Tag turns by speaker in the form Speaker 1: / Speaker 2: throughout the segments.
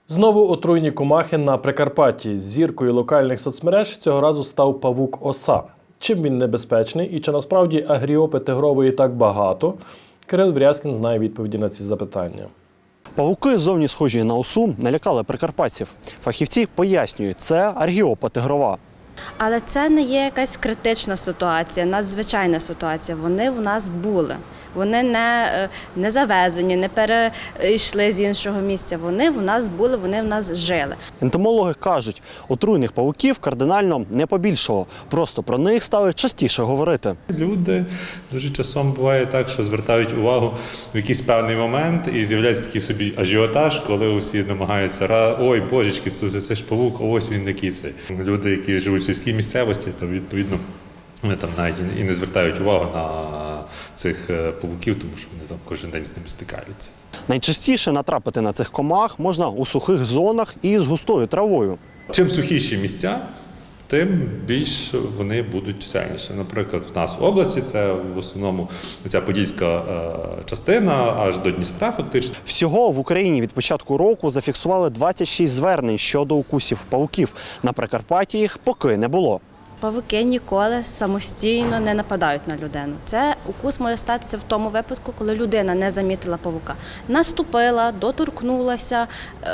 Speaker 1: Знову отруйні комахи на Прикарпатті. Зіркою локальних соцмереж цього разу став павук-оса. Чим він небезпечний і чи насправді агріопи тигрової так багато? Кирил Врязкін знає відповіді на ці запитання.
Speaker 2: Павуки, зовні схожі на осу, налякали прикарпатців. Фахівці пояснюють, це аргіопа тигрова.
Speaker 3: Але це не є якась критична ситуація, надзвичайна ситуація. Вони в нас були. Вони не завезені, не перейшли з іншого місця. Вони в нас були, вони в нас жили.
Speaker 2: Ентомологи кажуть, отруйних павуків кардинально не побільшало. Просто про них стали частіше говорити.
Speaker 4: Люди дуже часом буває так, що звертають увагу в якийсь певний момент і з'являється такий собі ажіотаж, коли усі намагаються, ой, божечки, це ж павук, ось він такий цей. Люди, які живуть в сільській місцевості, то відповідно вони там навіть і не звертають увагу на цих павуків, тому що вони там кожен день з ними стикаються.
Speaker 2: Найчастіше натрапити на цих комах можна у сухих зонах і з густою травою.
Speaker 4: Чим сухіші місця, тим більш вони будуть чисельніші. Наприклад, в нас в області це в основному ця подільська частина, аж до Дністра фактично.
Speaker 2: Всього в Україні від початку року зафіксували 26 звернень щодо укусів павуків. На Прикарпатті їх поки не було.
Speaker 3: Павуки ніколи самостійно не нападають на людину. Це укус може статися в тому випадку, коли людина не замітила павука. Наступила, доторкнулася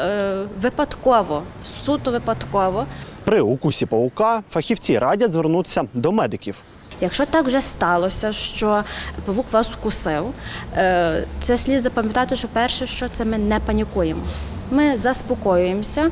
Speaker 3: випадково, суто випадково.
Speaker 2: При укусі павука фахівці радять звернутися до медиків.
Speaker 3: Якщо так вже сталося, що павук вас вкусив, це слід запам'ятати, що перше, що це ми не панікуємо. Ми заспокоюємося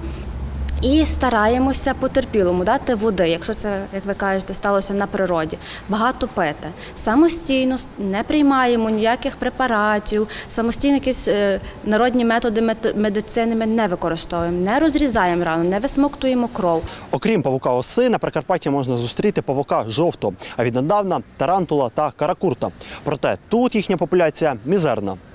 Speaker 3: і стараємося потерпілому дати води, якщо це, як ви кажете, сталося на природі, багато пити. Самостійно не приймаємо ніяких препаратів, самостійно якісь народні методи медицини ми не використовуємо, не розрізаємо рану, не висмоктуємо кров.
Speaker 2: Окрім павука-оси, на Прикарпатті можна зустріти павука жовтого, а віднедавна тарантула та каракурта. Проте тут їхня популяція мізерна.